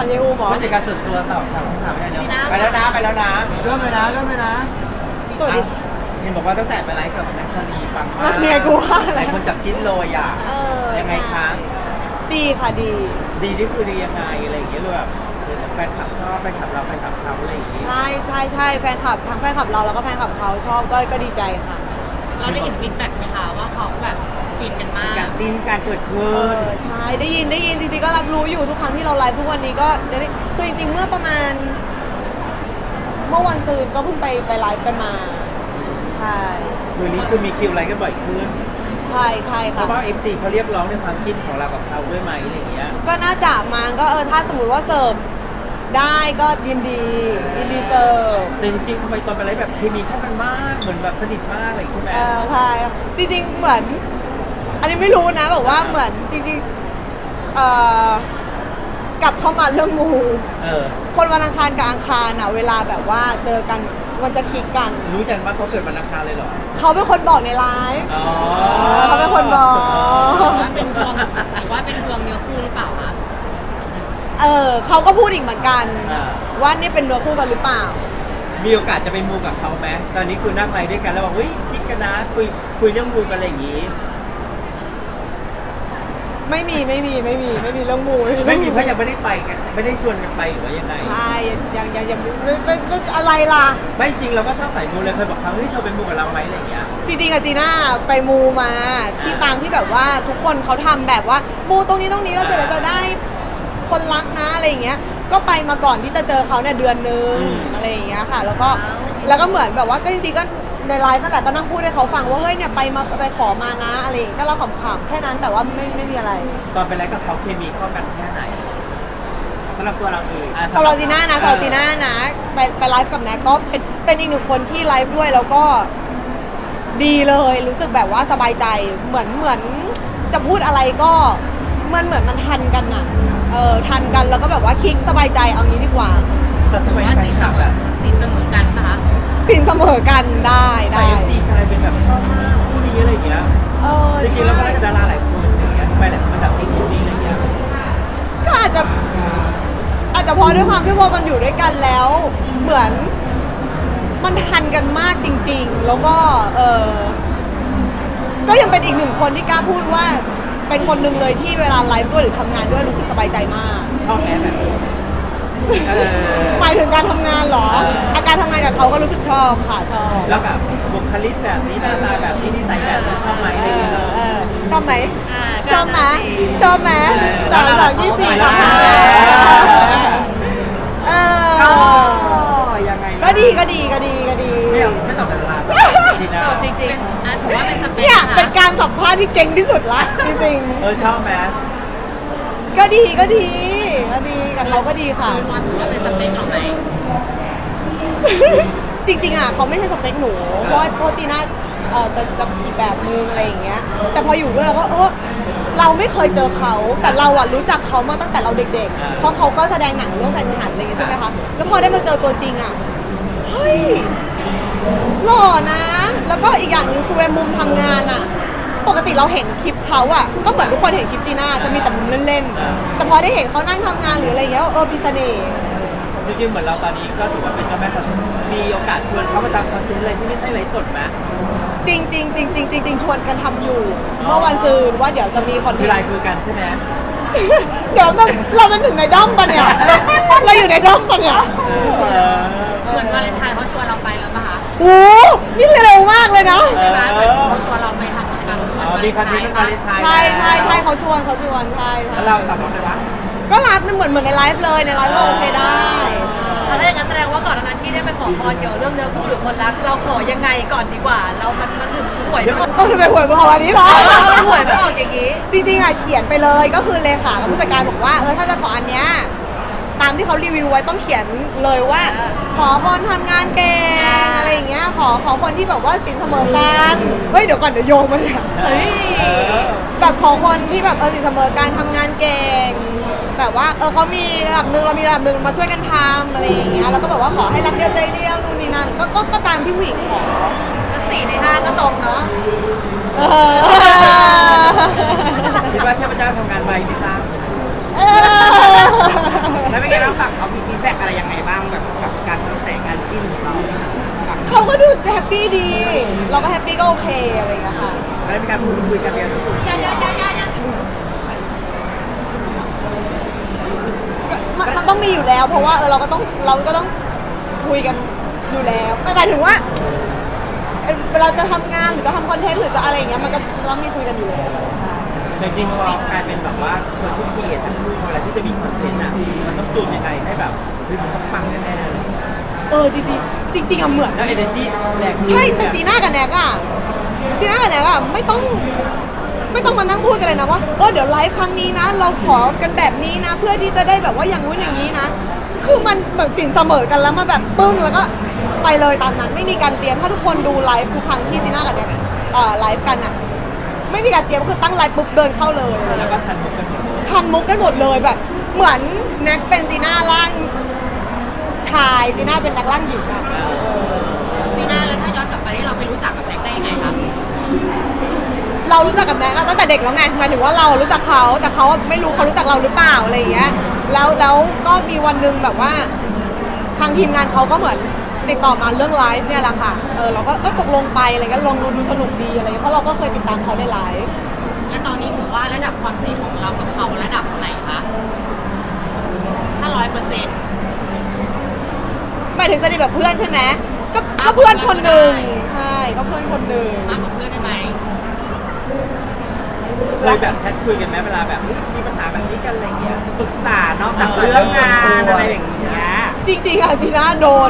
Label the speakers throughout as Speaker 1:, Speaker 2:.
Speaker 1: เยอูหมอ
Speaker 2: ผู้จัดการส่วนตัวตอบคำถามได้เดี๋ยวไปแล้วนะเริ่มเลยนะ
Speaker 1: สวัสดี
Speaker 2: เห็นบอกว่าตั้งแต่ไปไลฟ์กับนักชาลีปังมาก
Speaker 1: มาเนี่ยกูว่าอะไร
Speaker 2: หลายคนจับจิ้นเลยอ่ะ ยังไงคะ
Speaker 1: ดีค่ะดี
Speaker 2: ดีนี่คือดียังไงอะไรอย่างเงี้ยหรือแบบแฟนคลับชอบแฟนคลับเราแฟนคลับเขาอะไรอย่างเงี้ย
Speaker 1: ใช่แฟนคลับทั้งแฟนคลับเราแล้วก็แฟนคลับเขาชอบก็ดีใจค่ะ
Speaker 3: เราได้เห็นฟีดแบ็กไหมคะว่าเขาแบบฟินกันมาก
Speaker 2: การจิ้นการเกิดขึ้น
Speaker 1: ใช่ได้ยินจริงๆก็รับรู้อยู่ทุกครั้งที่เราไลฟ์ทุกวันนี้ก็ได้คือจริงๆเมื่อประมาณเมื่อวันซืนก็เพิ่งไปไลฟ์กันมาใช่
Speaker 2: มือนี้คือมีคิวไลฟ์กันบ่อยขึ้น
Speaker 1: ใช่
Speaker 2: เพ
Speaker 1: ค่ะ
Speaker 2: ราะว่า FC เขาเรียกร้องในความจิ้นของเรากับเขาด้วยไหมอะไรอย่างเงี้ย
Speaker 1: ก็น่าจะมาก็ถ้าสมมติว่าเสิร์ฟได้ก็ยินดีเสิร์ฟ
Speaker 2: แต่จริงๆทำไมตอนไปไลฟ์แบบเคมีเข้ากันมากเหมือนแบบสนิทมากเลยใช่ไหม
Speaker 1: ใช่จริงๆเหมือน อันนี้ไม่รู้นะแบบว่าเหมือนจริงๆกลับเข้ามาเรื่องมู คนวันอังคารกับอังคารอ่ะเวลาแบบว่าเจอกันมันจะคลิกกัน
Speaker 2: รู้กันว่าเขาเกิดวันอังคารเลยเหรอ
Speaker 1: เขาเป็นคนบอกในไลฟ์
Speaker 2: อ๋อ
Speaker 1: เขาเป็นคนบอก
Speaker 3: ว่าเป็นดวงหรือว่าเป็นดวงเนื้อคู่หรือเปล่าคะ
Speaker 1: เขาก็พูดอีกเหมือนกัน
Speaker 2: อ่า
Speaker 1: ว่านี่เป็นเนื้อคู่กันหรือเปล่า
Speaker 2: มีโอกาสจะไปมูกับเขาไหมตอนนี้คือนั่งไลฟ์ด้วยกันแล้วบอกเฮ้ยคิดกันนะคุยเรื่องมูกันอะไรอย่างงี้
Speaker 1: ไม่มีเรื่องมู
Speaker 2: ไม่มีเพราะยังไม่ได้ไปกันไม่ได้ชวนกันไปหรือว่ายังไง
Speaker 1: ใช่ยังไม่อะไรล่ะ
Speaker 2: ไม่จริงเราก็ชอบสายมูเลยเคยบอกเขาเฮ้ยเธอเป็นมูกับเราไหมอะไรอย่างเงี้ย
Speaker 1: จริงๆอะจีน่าไปมูมาที่ตามที่แบบว่าทุกคนเขาทำแบบว่ามูตรงนี้แล้วจะได้คนรักนะอะไรอย่างเงี้ยก็ไปมาก่อนที่จะเจอเขาเนี่ยเดือนนึงอะไรอย่างเงี้ยค่ะ แล้วก็เหมือนแบบว่าก็จริงๆก็ในไลฟ์นั่นแหละก็นั่งพูดให้เขาฟังว่าเฮ้ยเนี่ยไปขอมานะอะไรอย่างเงี้ยก็เราขำๆแค่นั้นแต่ว่าไม่มีอะไร
Speaker 2: ตอนไปไลฟ์กับเขาเคมีเข้ากันแค่ไหนสำหรับตัวเราเอง
Speaker 1: สำหรับจีน่านะไปไลฟ์กับแน็กก็เป็นอีกหนึ่งคนที่ไลฟ์ด้วยแล้วก็ดีเลยรู้สึกแบบว่าสบายใจเหมือนจะพูดอะไรก็มันทันกันน่ะทันกันแล้วก็แบบว่าคลิกสบายใจเอางี้ดีกว่า
Speaker 2: แต่ทำไม
Speaker 3: ว่า
Speaker 2: แฟ
Speaker 3: สิ
Speaker 2: น
Speaker 3: น
Speaker 2: คลับแบบ
Speaker 3: เสมอกันปะคะ
Speaker 1: สินเสมอกันได้
Speaker 2: แต่FC กลายเป็นแบบชอบมากคู่นี้อะไรอย่างเงี้ยจริงๆแล้วก็ได้กับดาราหลายคนอย่างเงี้ยทำไมแต่มาจับที่คู่นี้อะไรอย่างเงี้ย
Speaker 1: ก็อาจจะเพราะด้วยความที่ว่ามันอยู่ด้วยกันแล้ว เหมือนมันทันกันมากจริงๆ แล้วก็ก็ยังเป็นอีกหนึ่งคนที่กล้าพูดว่าเป็นคนหนึ่งเลยที่เวลาไลฟ์ด้วยหรือทำงานด้วยรู้สึกสบายใจมาก
Speaker 2: ชอบแอนแบบนี้
Speaker 1: หมายถึงการทำงานเหรอ อาการทำงานกับเขาก็รู้สึกชอบค่ะชอบ
Speaker 2: แล้วแบบบุคลิกแบบนี้หน้าตาแบบนี้นิสัยแบบนี้ชอบไหมอะไรอย่างเงี้ย
Speaker 1: ชอบไหมชอบไหมชอบไหม3 2 24
Speaker 2: ยังไง
Speaker 1: ก็ดี
Speaker 2: ไม่ตอบแบบดาราดีนะ
Speaker 3: จริงๆถือว่าเป็นสเปค
Speaker 1: เนี่ยเป็นการสัมภาษณ์ที่เก่งที่สุดละจริง
Speaker 2: ชอบไหม
Speaker 1: ๆก็ดีกับเขาก็ดีค่ะ
Speaker 3: คือความถือว่าเป็นสเปคเราไหม
Speaker 1: จริงๆอ่ะเขาไม่ใช่สเปคหนูเพราะจีน่าจะอีกแบบนึงอะไรอย่างเงี้ยแต่พออยู่ด้วยเราก็เราไม่เคยเจอเขาแต่เราอ่ะรู้จักเขามาตั้งแต่เราเด็กๆเพราะเขาก็แสดงหนังเรื่องการทหารอะไรอย่างเงี้ยใช่ไหมคะแล้วพอได้มาเจอตัวจริงอ่ะเฮ้ยหล่อนะแล้วก็อีกอย่างหนึงคือเวลามุมทำงานอ่ะปกติเราเห็นคลิปเขาอ่ะก็เหมือนทุกคนเห็นคลิปจีน่าจะมีแต่มุมเล่นๆแต่พอได้เห็นเขานั่งทำงานหรืออะไรอย่างเงี้ยมีเสน่ห์
Speaker 2: จริงๆเหมือนเราตอนนี้ก็ถือว่าเป็นเจ้าแม่คอนเทนต์มีโอกาสชวนเขามาทำคอนเทนต์อะไรที่ไม่ใช่ไลฟ์สดไหม
Speaker 1: จริงชวนกันทำอยู่เมื่อวันซืนว่าเดี๋ยวจะมีคอนเท
Speaker 2: คือน ไล
Speaker 1: ต์
Speaker 2: น์คุยกันใช่ไหม
Speaker 1: เดี๋ยวเราเป็นถึงในด้อมปะเนี่ยเราอยู่ในด้อมปะเนี่ย
Speaker 3: เหมือนวาเลนไทน์เขาชวนเราไปแล้วปะคะ
Speaker 1: โอ้นี่เร็วมากเลยนะ
Speaker 3: ใช่ไหมเหมือนเขาชวนเราไปทำกิจกรรมวันวาเล
Speaker 2: มี
Speaker 3: น
Speaker 2: คอน
Speaker 3: ไท
Speaker 2: เทนต์
Speaker 3: น์
Speaker 2: วา
Speaker 3: ปะ
Speaker 2: เลนไทน์
Speaker 1: ใช่เขาชวนใช่
Speaker 2: แล้วเราตอบรับได้ปะ
Speaker 1: ก็รับเหมือนในไลฟ์เลยในไลฟ์ก็โอเคได้
Speaker 4: ถ้าอย่างนั้นแสดงว่าก่อนหน้านั้นที่ได้ไปขอพรเกี่ยวกับเรื่องเนื้อคู่หรือคนรัก เราขอยังไงก่อนดีกว่า เรามันถึงหวยไม่ออก
Speaker 1: ทำไมหวยมาวันนี้เหรอ
Speaker 4: หวยไม่ออกอย่างนี้
Speaker 1: จริงๆอ่ะเขียนไปเลยก็คือเลขากับผู้จัดการบอกว่าถ้าจะขออันเนี้ยตามที่เขารีวิวไว้ต้องเขียนเลยว่า ขอคนทำงานเก่งอะไรอย่างเงี้ยขอคนที่แบบว่าสินเสมอกันเฮ้ยเดี๋ยวก่อนเดี๋ยวโยงมาเนี่ย
Speaker 4: เฮ้ย
Speaker 1: แบบขอคนที่แบบสินเสมอการทำงานเก่งแบบว่าเขามีระดับหนึ่งเรามีระดับหนึ่งมาช่วยกันทำอะไรอย่างเงี้ยแล้วก็แบบว่าขอให้รักเดียวใจเดียวนู่นนี่นั่นก็ตามที่ผู้หญิงขอ
Speaker 4: 4 ใน 5ก็ตรงเนาะ
Speaker 1: เออ
Speaker 2: คิดว่าเทพเจ้าทำงานไวไหมจ๊ะ
Speaker 1: เออ
Speaker 2: แล้วเป็นไง
Speaker 1: ปปี้ดี เราก็แฮปปี้ก็โอเคอะไรอย่างเงี้ยค่ะ
Speaker 2: แล้วมีการพูดคุยกันเรียนสุด
Speaker 1: มันต้องมีอยู่แล้ว เพราะว่าเราก็ต้องคุยกันอยู่แล้วไม่หมายถึงว่าเวลาจะทำงานหรือจะทำคอนเทนต์หรือจะอะไรอย่างเงี้ยมันก็ต้องมีคุยกันอยู่แล้วใช่
Speaker 2: จริงๆเรากลายเป็นแบบว่าคนที่คิดทั้งคู่เวลาที่จะมีคอนเทนต์อ่ะมันต้องจูนยังไงให้แบบเฮ้ยมันต้องปังแน่ๆเลย
Speaker 1: จริงอะเหมือน
Speaker 2: แล้ว energy แรง
Speaker 1: ใช่แต่จีน่ากับแน็กอะไม่ต้องมานั่งพูดกันเลยนะว่าเดี๋ยวไลฟ์ครั้งนี้นะ เราขอกันแบบนี้นะ เพื่อที่จะได้แบบว่าอย่างนู้นอย่างนี้นะ คือมันเหมือนสินเสมอกันแล้วมาแบบปึ้งแล้วก็ไปเลยตามนั้นไม่มีการเตรียมถ้าทุกคนดูไลฟ์ทุกครั้งที่จีน่ากับแน็กไลฟ์กันอะไม่มีการเตรียมคือตั้งไลฟ์ปุ๊บเดินเข้าเลย
Speaker 2: แล้วก็ทันมุกกันหมด
Speaker 1: ทันมุกกันหมดเลยแบบ เหมือนแน็กเป็นจีน่าร่างชายจีน่าเป็นแน็กร่างหญิงอะ
Speaker 3: จีน่าแล้วถ้าย้อนกลับไปที่เราไปรู้จักกับแน็กได้ยังไงคะ
Speaker 1: เรารู้จักกับแน็กตั้งแต่เด็กแล้วไงหมายถึงว่าเรารู้จักเขาแต่เขาไม่รู้เขารู้จักเราหรือเปล่าอะไรอย่างเงี้ยแล้วก็มีวันหนึงแบบว่า ทางทีมงานเขาก็เหมือนติดต่อมาเรื่องไลฟ์เนี่ยแหละค่ะเราก็ตกลงไปอะไรเงี้ยลองดูสนุกดีอะไรเงี้ยเพราะเราก็เคยติดตามเขาในไลฟ์
Speaker 3: และตอนนี้ถือว่าระดับความสนิทของเรากับเขาระดับไหนคะถ้า100%
Speaker 1: หมายถึงสนิทแบบเพื่อนใช่ไหมก็เพื่อนคนหนึ่งใช่ก็เพื่อนคนหนึ่ง
Speaker 3: มากกว่าเพื่อนได้ไหม
Speaker 2: เคยแบบแชทคุยกันไหมเวลาแบบมีปัญหาแบบนี้กันอะไรเงี้ยปรึกษานอกจากเรื่องงานอะไรอย่างเงี้ย
Speaker 1: จริงๆอะจีน่าโดน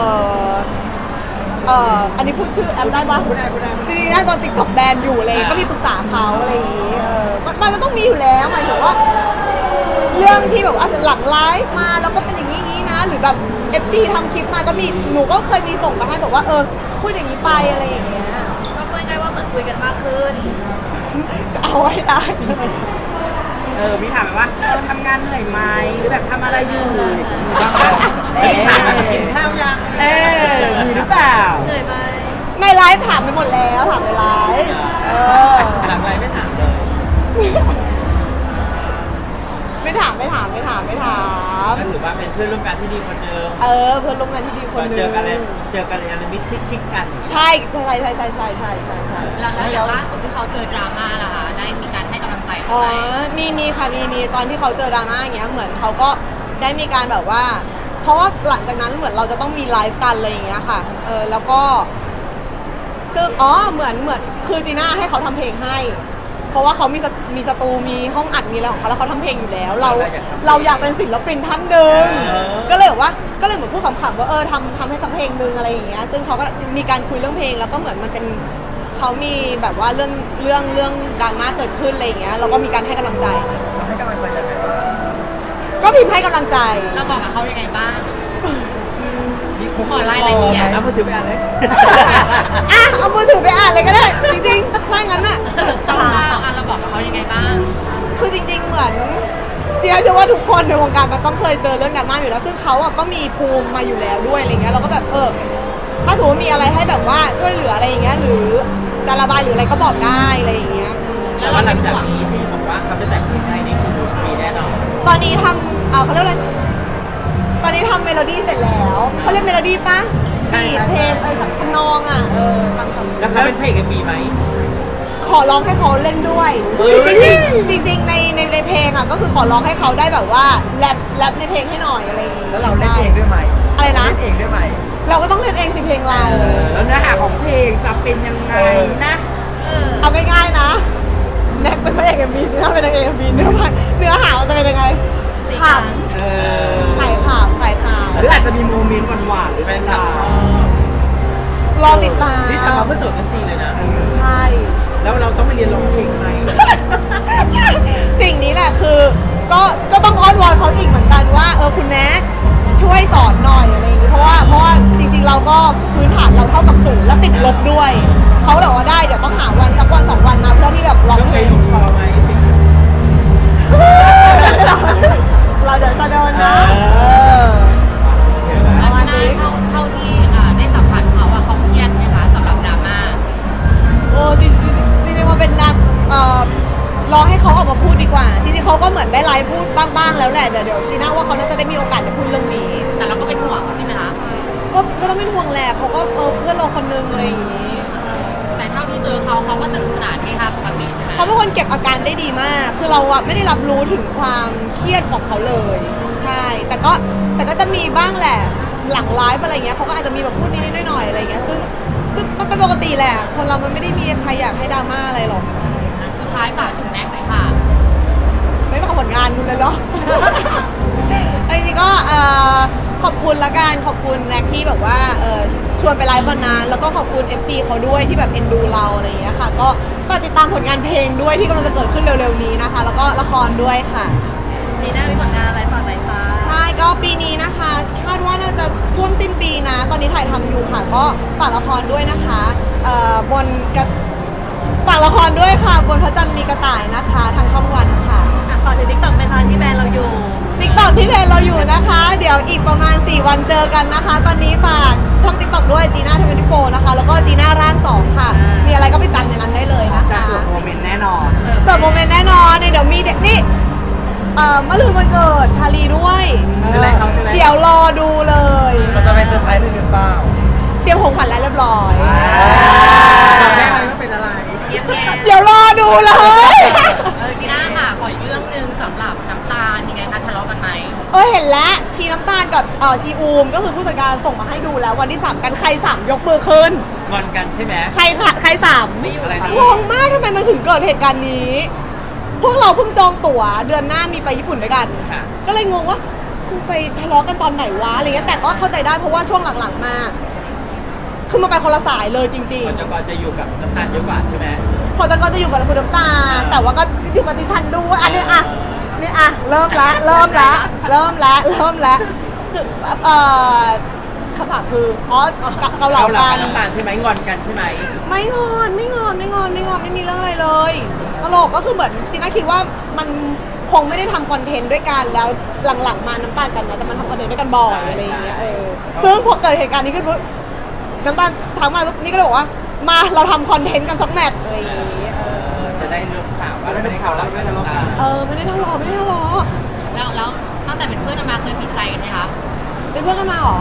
Speaker 1: อันนี้พูดชื่อแอปได้ปะ
Speaker 2: พูดได้
Speaker 1: จริงๆนะตอนติ๊กต็อกแบนอยู่อะไรอย่างเลยก็มีปรึกษาเขาอะไรอย่างงี้มันก็ต้องมีอยู่แล้วหมายถึงว่า เรื่องที่แบบว่าหลังไลฟ์มาแล้วก็เป็นอย่างนี้นะ หรือแบบ FC ทำคลิปมาก็มีหนูก็เคยมีส่งไปให้บอกว่าพูดอย่างนี้ไปอะไรอย่างเงี้ย
Speaker 4: ก็พูดง่ายๆว่าเหมือนคุยกันมากขึ้น
Speaker 1: จะเอาไว้ได้
Speaker 2: มีถามแบบว่าทำงานเหนื่อยไหมหรือแบบทำอะไรอยู่มีถามว่ากินข้าวยังมีหรือเปล่า
Speaker 4: เหนื่อยไหม
Speaker 1: ในไลฟ์ถามไปหมดแล้วถามในไลฟ์
Speaker 2: หลังไรไม่ถามเลย
Speaker 1: ไม่ถาม
Speaker 2: ก็ถือว่าเป็นเพื่อนร่วมงานที่ดีคนเดิม
Speaker 1: เพื่อนร่วมงานที่ดีคนหนึง
Speaker 2: เจอกันอะไรมิตรคลิกกัน
Speaker 1: ใช่
Speaker 3: แล้วอย่างล่าสุดที่เขาเจอดราม่าล่ะคะได้มีการให้กำลังใจเขา
Speaker 1: อ๋อ
Speaker 3: ไหม
Speaker 1: มีค่ะมีตอนที่เขาเจอดราม่าอย่างเงี้ยเหมือนเขาก็ได้มีการแบบว่า เพราะว่าหลังจากนั้นเหมือนเราจะต้องมีไลฟ์กันอะไรอย่างเงี้ยค่ะแล้วก็ซึ่งเหมือนคือจีน่าให้เขาทำเพลงให้ เพราะว่าเขามีสตูมีห้องอัดมีอะไรของเขาแล้วเขาทำเพลงอยู่แล้ว เราอยากเป็นศิลปินท่านหนึ่งก็เลยเหมือนพูดขำๆว่าทำให้สักเพลงหนึ่งอะไรอย่างเงี้ยซึ่งเขาก็มีการคุยเรื่องเพลงแล้วก็เหมือนมันเป็นเขามีแบบว่าเรื่องดราม่าเกิดขึ้นอะไรอย่างเงี้ยเราก็มีการให้กำลังใจ
Speaker 2: เราให้กำลังใจยังไงบ้าง
Speaker 1: ก็พิมพ์ให้กำลังใจ
Speaker 3: เราบอกกับเขายังไงบ้างขอรายละเอียด
Speaker 2: เอามือถือไปอ่านเลย
Speaker 1: เอามือถือไปอ่านเลยก็ได้ จริงๆถ้างั้นน่ะ
Speaker 3: เราบอกกับเขายังไงบ้าง
Speaker 1: คือจริงๆเหมือนเชื่อว่าทุกคนในวงการมันต้องเคยเจอเรื่องดราม่าอยู่แล้วซึ่งเขาก็มีภูมิมาอยู่แล้วด้วยอะไรเงี้ยเราก็แบบถ้าสมมติมีอะไรให้แบบว่าช่วยเหลืออะไรอย่างเงี้ยหรือจะระบายหรืออะไรก็บอกได้อะไรอย่างเงี้ย
Speaker 2: แล้วหลังจากนี้ที่บอกว่าเขาจะแต่งเพลงให้นี่คือมีแน่นอน
Speaker 1: ตอนนี้ทำเขาเรียกอะไรตอนนี้ทำเมโลดี้เสร็จแล้วเขาเรียกเมโลดี้ปะบีทเพลงทำนองทำ
Speaker 2: แล้วเขาเป็นเพลงกันมีไหม
Speaker 1: ขอร้องให้เขาเล่นด้วย จริงๆในเพลงก็คือขอร้องให้เขาได้แบบว่าแรปในเพลงให้หน่อยอะไรอย่างงี้
Speaker 2: แล้วเราเล่นเองด้วยไหม
Speaker 1: อะไรนะ
Speaker 2: เล่นเองด้วยไหม
Speaker 1: เราก็ต้องเล่นเองสิเพลงเรา
Speaker 2: แล้วเนื้อหาของเพลงจะเป็นยังไงนะ
Speaker 1: เอาง่ายๆนะแน็กเป็นพระเอกMVจีน่าเป็นนางเอกMVเนื้อหามันจะเป็นยังไงขำขายขำ
Speaker 2: หรืออาจจะมีโมเมนต์หวานๆหรือเป็นแบบชอบ
Speaker 1: รอติดตาม
Speaker 2: นี่ทำมาเพื่อสดกันซีเลยนะ
Speaker 1: ใช่
Speaker 2: แล้วเราต้องไปเรียนร้องเพลงไหม
Speaker 1: สิ่งนี้แหละคือก็ต้องอ้อนวอนเขาอีกเหมือนกันว่าคุณแน็กช่วยสอนหน่อยอะไรอย่างนี้เพราะว่าจริงๆเราก็พื้นฐานเราเท่ากับศูนย์และติดลบด้วยเขาเลยว่าได้เดี๋ยวต้องหาวันสักวัน2 วันมาเพื่อที่แบบร้อง
Speaker 2: ต้อง
Speaker 1: เพล
Speaker 2: ใช้
Speaker 1: ง
Speaker 2: ลูกคอไหม
Speaker 1: เราเดี๋ยวจะโดนนะ
Speaker 3: อาจารย์เท่าที่ได้สัมผัสเขาเขาเครียดไหมคะสำหรับดราม่า
Speaker 1: จริงมันเป็นรอให้เขาออกมาพูดดีกว่าจริงๆเขาก็เหมือนได้ไลฟ์พูดบ้างๆแล้วแหละเดี๋ยวจีน่าว่าเขาน่าจะได้มีโอกาสได้พูดเรื่องนี้
Speaker 3: แต่เราก็เป็นห่วงเขาใช่ไหมคะ
Speaker 1: ก็ต้องเป็นห่วงแหละเขาก็เพื่อนเราคนนึงอะไรอย่างนี้
Speaker 3: แต่เท่าที่เจอเขาก็สนุกสนานที่ค่ะปกติใช่ไหม
Speaker 1: เขาเป็นคนเก็บอาการได้ดีมาก คือเราอะไม่ได้รับรู้ถึงความเครียดของเขาเลย ใช่ แต่ก็จะมีบ้างแหละหลังไลฟ์อะไรเงี้ยเขาก็อาจจะมีแบบพูดนิดๆหน่อยๆอะไรเงี้ยซึ่งมันเป็นปกติแหละ คนเรามันไม่ได้มีใครอยากให้ดราม่าอะไรหรอกใช่
Speaker 3: สุดท้ายฝากถึงแน็กเลยค่ะ
Speaker 1: ไม่ฝากผลงานคุณเลยเนาะ ไอ้นี่ก็ขอบคุณละกันขอบคุณแน็กที่แบบว่าชวนไปไลฟ์วันนั้นแล้วก็ขอบคุณ FC เขาด้วยที่แบบเอ็นดูเราอะไรอย่างเงี้ยค่ะก็ฝากติดตามผลงานเพลงด้วยที่กำลังจะเกิดขึ้นเร็วๆนี้นะคะ แล้วก็ละครด้วยค่ะ
Speaker 4: จีน่ามีผลงานอะไรฝากไหมคะ
Speaker 1: ใช่ก็ปีนี้นะคะคาดว่าน่าจะช่วงสิ้นปีนะ ตอนนี้ถ่ายทำอยู่ค่ะ ก็ฝากละครด้วยนะคะฝากละครด้วยค่ะบนพระจันทร์มีกระต่ายนะคะทางช่องวันค่ะ
Speaker 4: ฝากถึงติ๊กต็อกไหมคะที่แบรนด์เราอยู่
Speaker 1: ติ๊กต็อกที่เพจเราอยู่นะคะ เดี๋ยวอีกประมาณ 4 วันเจอกันนะคะ ตอนนี้ฝากช่องติ๊กต็อกด้วยจีน่า24นะคะ แล้วก็จีน่าร่าง2ค่ะ มีอะไรก็ไปตามในนั้นได้เลยนะ
Speaker 2: จะ
Speaker 1: คะ
Speaker 2: สวดโมเมนต์แน่นอน
Speaker 1: เสิร์ฟโมเมนต์แน่นอนเนี่ยเดี๋ยวมีนี่เมื่อลืนวันเกิดชาลีด้วย
Speaker 2: เป็นไรครับเป็นไร
Speaker 1: เดี๋ยวรอดูเลย
Speaker 2: เราจะไปเซอร์ไพรส์หรือเปล่า
Speaker 1: เตรียมของขวัญแล้วเรียบร้อย
Speaker 2: บอกได้ไหมว่าเป็นอะไร
Speaker 3: เยี่ยม
Speaker 1: เดี๋ยวรอดูเลย
Speaker 3: จีน่าค่ะ ขออีกเรื่องหนึ่งสำหรับน้ำตาลยังไงคะทะเลาะกันไหม
Speaker 1: เห็นแล้วชีน้ำตาลกับชีอูมก็คือผู้จัดการส่งมาให้ดูแล้ววันที่ 3 กันใคร 3 ยกมือขึ้น
Speaker 2: งอนกันใช่ไหม
Speaker 1: ใครค่ะใครสาม
Speaker 2: อะไรนะ
Speaker 1: งงมากทำไมมันถึงเกิดเหตุการณ์นี้ พวกเราเพิ่งจองตั๋วเดือนหน้ามีไปญี่ปุ่นด้วยกัน
Speaker 2: ค่ะ
Speaker 1: ก็เลยงงว่ากูไปทะเลาะกันตอนไหนวะอะไรเงี้ยแต่ก็เข้าใจได้เพราะว่าช่วงหลังๆมาคือมาไปคนละสายเลยจริง
Speaker 2: มันจะก่อนจะอยู่กับน้ำตาลเยอะกว่าใช่ไหม
Speaker 1: ๆพอจะก็จะอยู่กับคุณน้ำตาลแต่ว่าก็อยู่กับดิฉันด้วยอันนี้นี่เริ่มละคือคำถามคือเกาเหลา
Speaker 2: เราหลับ
Speaker 1: กั
Speaker 2: กัน บน้ำตาลใช่ไหมงอนกันใช่ไหม
Speaker 1: ไม่งอนไม่มีเรื่องอะไรเลยตลกก็คือเหมือนจีน่าคิดว่ามันคงไม่ได้ทำคอนเทนต์ด้วยกันแล้วหลังๆมาน้ำตาลกันนะแต่มันทำคอนเทนต์ด้วยกันบ่อยอะไรอย่างเงี้ยซึ่งพอเกิดเหตุการณ์นี้ขึ้นปุ๊บน้ำตาลทักมาปุ๊บนี่ก็เลยบอกว่ามาเราทำคอนเทนต์กันสักแมตช์อะไรอย่างเงี้ย
Speaker 2: จะได้เรื่องข่าวว่าไม่ได้ข่าวแล้วไม่ได้ทะเลาะกัน
Speaker 1: ไม่ได้ทะเลาะ
Speaker 3: แล้วตั้งแต่เป็นเพื่อนกันมาเคยผิดใจกันไหมคะ
Speaker 1: เป็นเพื่อนกันมาเหรอ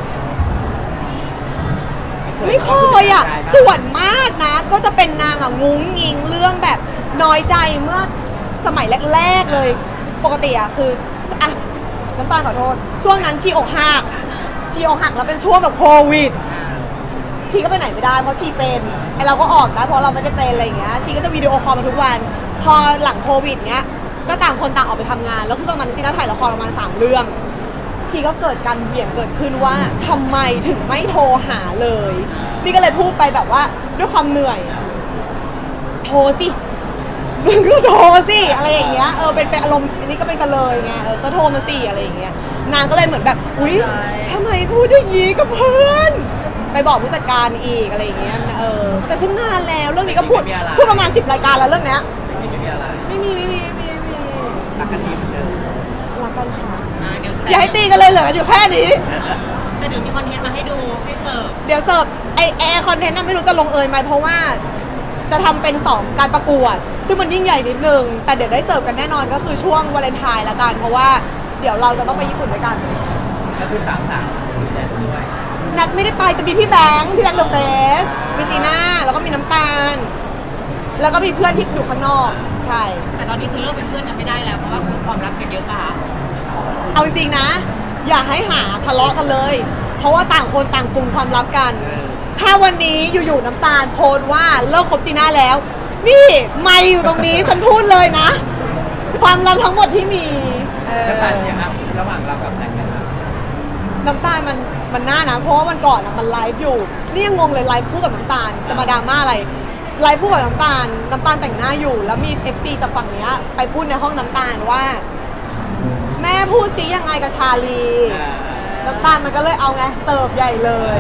Speaker 1: ไม่เคยส่วนมากนะ ก็จะเป็นนางงุ้งงิงเรื่องแบบน้อยใจเมื่อสมัยแรกๆเลย ปกติคือน้ำตาลขอโทษ ช่วงนั้นชีอกหักแล้วเป็นช่วงแบบโควิด ชีก็ไปไหนไม่ได้เพราะชีเป็นไอเราก็ออกนะเพราะเราไม่ได้เป็นอะไรอย่างเงี้ยชีก็จะวิดีโอคอลมาทุกวัน พอหลังโควิดเนี้ยก็ต่างคนต่างออกไปทำงานแล้วคือตอนนั้นจีน่าถ่ายละครประมาณ3 เรื่อง ชีก็เกิดการเบี่ยงเกิดขึ้นว่าทำไมถึงไม่โทรหาเลย นี่ก็เลยพูดไปแบบว่าด้วยความเหนื่อย โทรสิมึงก็โทรสิอะไรอย่างเงี้ยเป็นอารมณ์อันนี้ก็เป็นกันเลยไงก็โทรมาสิอะไรอย่างเงี้ยนางก็เลยเหมือนแบบอุ๊ยทำไมพูดอย่างงี้กับเพื่อนไปบอกผู้จัดการอีกอะไรอย่างเงี้ยแต่ซึ่งนานแล้วเรื่องนี้ก็พูดประมาณ10 รายการแล้วเรื่องเนี้ย
Speaker 2: ไม่มีอะไร
Speaker 1: ไม่มี
Speaker 2: รักกันดีเหมือนเดิม
Speaker 1: รักกันค่ะ
Speaker 3: เดี๋ยว
Speaker 1: อย่าให้ตีกันเลยเหลืออยู่แค่นี้
Speaker 3: แต่เดี๋ยวมีคอนเทนต์มาให้ดูให้เสิร์ฟ
Speaker 1: เดี๋ยวเสิร์ฟไอคอนเทนต์น่ะไม่รู้จะลงเอยไหมเพราะว่าจะทำเป็น2 การประกวด ซึ่งมันยิ่งใหญ่นิดนึง แต่เดี๋ยวได้เสิร์ฟกันแน่นอนก็คือช่วงวาเลนไทน์ละกัน เพราะว่าเดี๋ยวเราจะต้องไปญี่ปุ่นด้วยกัน
Speaker 2: ก็คือ3 มีแดนด้วย
Speaker 1: นัดไม่ได้ไปจะมีพี่แบงค์เดอะเฟสมีจีน่าแล้วก็มีน้ำตาล แล้วก็มีเพื่อนที่อยู่ข้างนอกใช่
Speaker 3: แต่ตอนนี้คือเลิกเป็นเพื่อนกันไม่ได้แล้วเพราะว่าความรักกันเยอะป่ะคะ
Speaker 1: เอาจริงๆนะ อย่าให้หาทะเลาะกันเลย เพราะว่าต่างคนต่างกลุ่มความลับกัน ถ้าวันนี้อยู่ๆน้ำตาลโพสต์ว่าเลิกคบจีน่าแล้ว นี่ไม่อยู่ตรงนี้ ฉันพูดเลยนะ ความลับทั้งหมดที่มี
Speaker 2: น้ำตาลเชียร์อัพระหว่างเรากับแน็กกันนะ
Speaker 1: น้ำตาลมันน่านะ เพราะว่าวันก่อนมันไลฟ์อยู่ นี่ยังงงเลยไลฟ์คู่กับน้ำตาลจะมาดราม่าอะไร ไลฟ์คู่กับน้ำตาลแต่งหน้าอยู่ แล้วมี FC จากฝั่งเนี้ยไปพูดในห้องน้ำตาลว่า แม่พูดซิยังไงกับชาลี น้ำตาลมันก็เลยเอาไงเสิร์ฟใหญ่เลย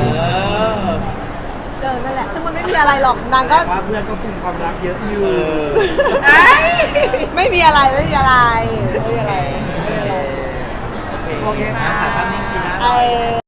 Speaker 1: นั่นแหละซึ่งมันไม่มีอะไรหรอกนางก็
Speaker 2: ว่าเพื่อนก็คุมความรักเยอะอยู่
Speaker 1: ไม่มีอะไร
Speaker 2: โอเคค่ะถ่ายภาพนิ่งทีนะ
Speaker 1: ไอ้